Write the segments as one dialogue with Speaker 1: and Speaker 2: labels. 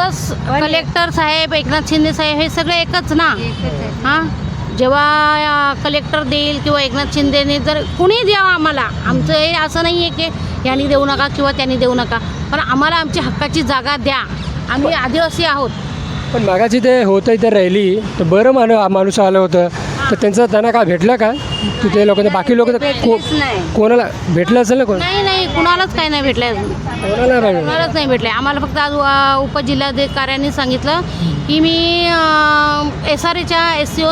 Speaker 1: Plus collector साहेब, एकनाथ शिंदे साहेब हे सगळे एकच ना. हां, जेव्हा कलेक्टर देईल किंवा एकनाथ शिंदेने जर कुणी द्यावं आम्हाला, आमचं हे असं नाही आहे की यांनी देऊ नका किंवा त्यांनी देऊ नका, पण आम्हाला आमची हक्काची जागा द्या. आम्ही आदिवासी आहोत.
Speaker 2: पण मागाची ते होतं इथे राहिली तर बरं माणूस आलं होतं तर त्यांना काय भेटलं का तिथे लोक? बाकी लोक तर कोणाला भेटलं असेल ना?
Speaker 1: नाही, कुणालाच काही नाही भेटलं अजून. कुणालाच नाही भेटलं. आम्हाला फक्त आज उपजिल्हाधिकाऱ्यांनी सांगितलं की मी SRAच्या SCO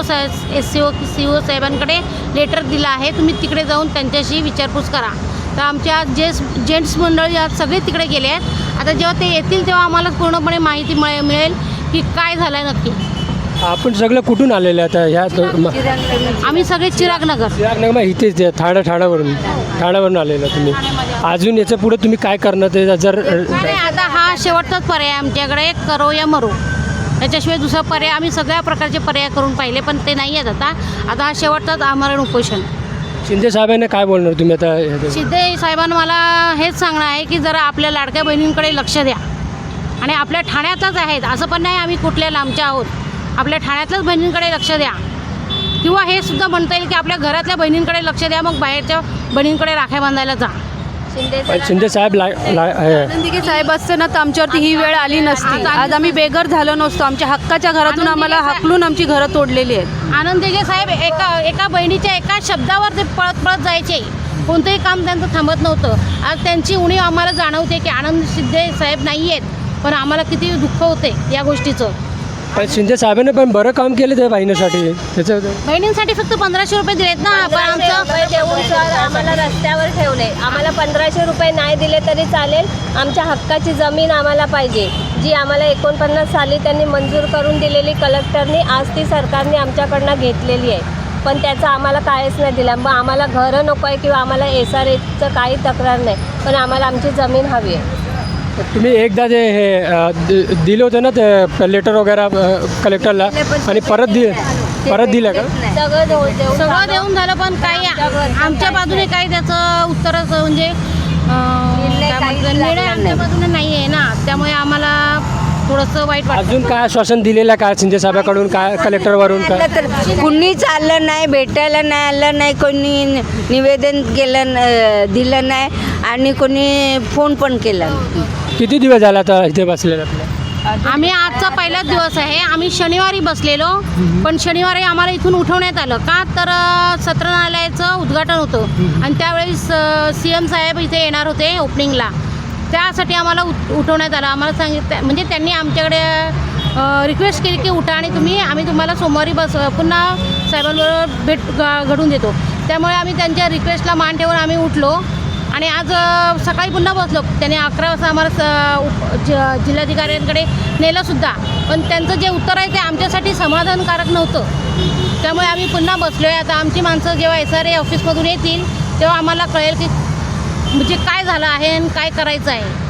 Speaker 1: साहेबांकडे लेटर दिलं आहे, तुम्ही तिकडे जाऊन त्यांच्याशी विचारपूस करा. तर आमच्या जेंट्स मंडळी आज सगळे तिकडे गेले आहेत. आता जेव्हा ते येतील तेव्हा आम्हाला पूर्णपणे माहिती मिळेल की काय झालं आहे नक्की.
Speaker 2: आपण सगळं कुठून आलेलं आता ह्या?
Speaker 1: आम्ही सगळे चिरागनगर
Speaker 2: मग इथेच ठाण्यावरून आलेलं तुम्ही. अजून याच्या पुढे तुम्ही काय करणार ते जर?
Speaker 1: नाही, आता हा शेवटचाच पर्याय आमच्याकडे, करो या मरो. त्याच्याशिवाय दुसरा पर्याय, आम्ही सगळ्या प्रकारचे पर्याय करून पाहिले पण ते नाही आहेत. आता हा शेवटचाच आमरण उपोषण.
Speaker 2: शिंदे साहेबांना काय बोलणार तुम्ही आता?
Speaker 1: शिंदे साहेबांना मला हेच सांगणं आहे की जरा आपल्या लाडक्या बहिणींकडे लक्ष द्या. आणि आपल्या ठाण्यातच आहेत असं पण नाही आम्ही कुठल्या लांबच्या आहोत, आपल्या ठाण्यातल्याच बहिणींकडे लक्ष द्या. किंवा हे सुद्धा म्हणता येईल की आपल्या घरातल्या बहिणींकडे लक्ष द्या, मग बाहेरच्या बहिणींकडे राख्या बांधायला जा.
Speaker 2: शिंदे साहेब
Speaker 3: आनंदीगे साहेब असते ना तर आमच्यावरती ही वेळ आली नसती. आज आम्ही बेघर झालो नसतो. आमच्या हक्काच्या घरातून आम्हाला हाकलून आमची घरं तोडलेली आहेत.
Speaker 1: आनंदीगे साहेब एका बहिणीच्या एका शब्दावर ते पळत जायचे. कोणतंही काम त्यांचं थांबत नव्हतं. आज त्यांची उणीव आम्हाला जाणवते की आनंद शिंदे साहेब नाही आहेत, पण आम्हाला किती दुःख होते या गोष्टीचं.
Speaker 2: पण शिंदे साहेबांनी पण बरं काम केलं त्या बहिणीसाठी. त्याचं
Speaker 1: बहिणींसाठी फक्त 1500 रुपये दिलेत ना. पण आमचं
Speaker 4: देऊन सर आम्हाला रस्त्यावर ठेवले. आम्हाला 1500 रुपये नाही दिले तरी चालेल. आमच्या हक्काची जमीन आम्हाला पाहिजे, जी आम्हाला 49 साली त्यांनी मंजूर करून दिलेली कलेक्टरनी, आज ती सरकारने आमच्याकडनं घेतलेली आहे. पण त्याचं आम्हाला काहीच नाही दिलं. मग आम्हाला घरं नको आहे किंवा आम्हाला SRAचं काही तक्रार नाही, पण आम्हाला आमची जमीन हवी आहे.
Speaker 2: तुम्ही एकदा जे हे दिलं होतं ना ते लेटर वगैरे कलेक्टरला, आणि परत दिलं का?
Speaker 1: सगळं देऊन झालं, पण काही आमच्या बाजूने काही त्याचं उत्तरच म्हणजे निर्णय आमच्या बाजूने नाही आहे ना. त्यामुळे आम्हाला थोडंसं वाईट वाटतं.
Speaker 2: अजून काय आश्वासन दिलेलं काय शिंदे साहेबाकडून, काय कलेक्टरवरून काय?
Speaker 5: तर कुणीच आलं नाही, भेटायला नाही आलं नाही, कोणी निवेदन दिलं नाही आणि कोणी फोन पण केला नाही.
Speaker 2: किती दिवस झाला आता इथे बसलेलं आपलं?
Speaker 1: आम्ही आजचा पहिलाच दिवस आहे. आम्ही शनिवारी बसलेलो, पण शनिवारी आम्हाला इथून उठवण्यात आलं का तर सत्र न्यायालयाचं उद्घाटन होतं आणि त्यावेळेस CM साहेब इथे येणार होते ओपनिंगला. त्यासाठी आम्हाला उठवण्यात आलं. आम्हाला सांगितलं म्हणजे त्यांनी आमच्याकडे रिक्वेस्ट केली की उठा आणि आम्ही तुम्हाला सोमवारी पुन्हा साहेबांबरोबर भेट घडून देतो. त्यामुळे आम्ही त्यांच्या रिक्वेस्टला मान ठेवून आम्ही उठलो आणि आज सकाळी पुन्हा बसलो. त्यांनी 11 वाजता आम्हाला जिल्हाधिकाऱ्यांकडे नेलंसुद्धा, पण त्यांचं जे उत्तर आहे ते आमच्यासाठी समाधानकारक नव्हतं. त्यामुळे आम्ही पुन्हा बसलो आहे. आता आमची माणसं जेव्हा SRA ऑफिसमधून येतील तेव्हा आम्हाला कळेल की म्हणजे काय झालं आहे आणि काय करायचं आहे.